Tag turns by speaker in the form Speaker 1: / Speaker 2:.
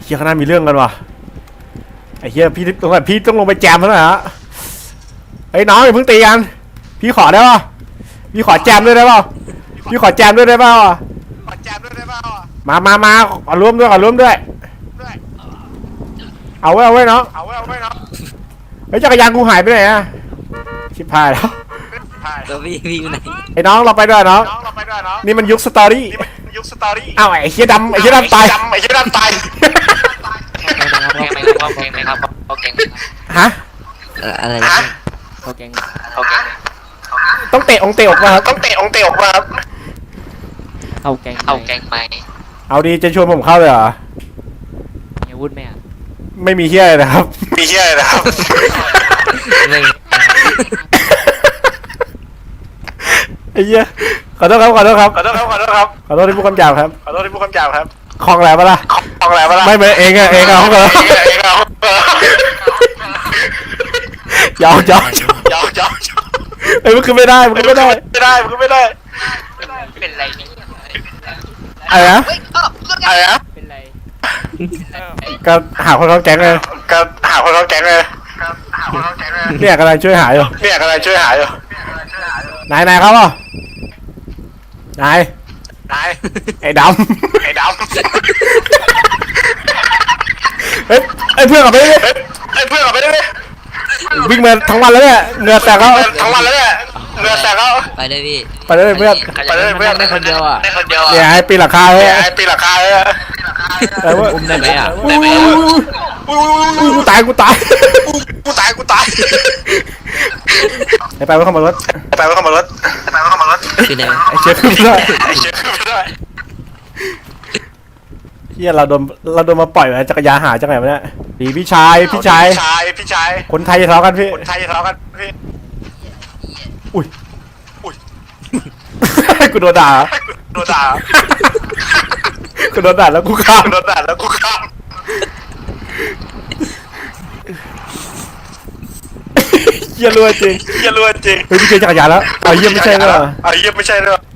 Speaker 1: เฮียข้างหน้ามีเรื่องกันว่ะไอ้เฮียพี่ต้องลงไปแจมแล้วนะฮะเฮ้ยน้องอย่าเพิ่งตีกันพี่ขอได้ป่ะพี่ขอแจมด้วยได้ป่ะพี่ขอแจมด้วยได้ป่ะมาขอร่วมด้วยเอาไว้น้องเฮ้ยจักรยานกูหายไปไหนอะชิบหายแล้ว
Speaker 2: ตัวพี่อยู่ไหน
Speaker 1: ไอ้น้องเราไปด้วยน้องนี่มันยุคสตอรี่อ้าวไอ้เฮียดำตาย ฮะ
Speaker 2: อะไรนะเขาแกง
Speaker 1: ต้องเตะองเตะออกมาครับ
Speaker 2: เข้าแกงไป
Speaker 1: เอาดีจะชวนผมเข้าเลยเหรอ
Speaker 2: มีอาวุธไหมอ่ะ
Speaker 1: ไม่มีเฮียเลยนะครับ
Speaker 2: ไม่
Speaker 1: ไอ้เหี้ยขอโทษครับขอโทษที่พูดคำหยาบครับคลองแหลมปะล่ะไม่เป็นเองอะเขาเลยยาวไอ้มันคือไม่ได้
Speaker 2: เป็นไรเนี่ย
Speaker 1: อะไรนะ
Speaker 2: เป็นไร
Speaker 1: ก็หาคนเข้าแก๊งเลยเนี่ยกำลังช่วยหาอยู่นายเขาเปล่านายไอ้ดำเฮ้ยไอ้เพื่อนกลับไปดิวิ่งมาทั้งวันแล้วเนี่ยเหงื่อแตกแล้ว
Speaker 2: ไปเลยพี่
Speaker 1: ไปเลยเพื่อน
Speaker 2: ได้คนเดียวอ่ะ
Speaker 1: เนี่ยให้ปีนหลังคาเลยแต่ว่า
Speaker 2: อุ้มได้ไหมอ่ะ
Speaker 1: กูตายไปไว้เข้ามารถ
Speaker 2: คือไหน
Speaker 1: ไอ้เชี่ยขึ้นไม่ได้เฮียเราโดนมาปล่อยไว้จักรยานหาจังไหนวะเนี่ยดีพี่ชายคนไทยจะทะเลาะกันพี่อุ้ยกูโดนด่าแล้วกูข้ามเฮียรัวจริงเฮ้ยพี่เจอจักรยานแล้วเฮียไม่ใช่เหรอ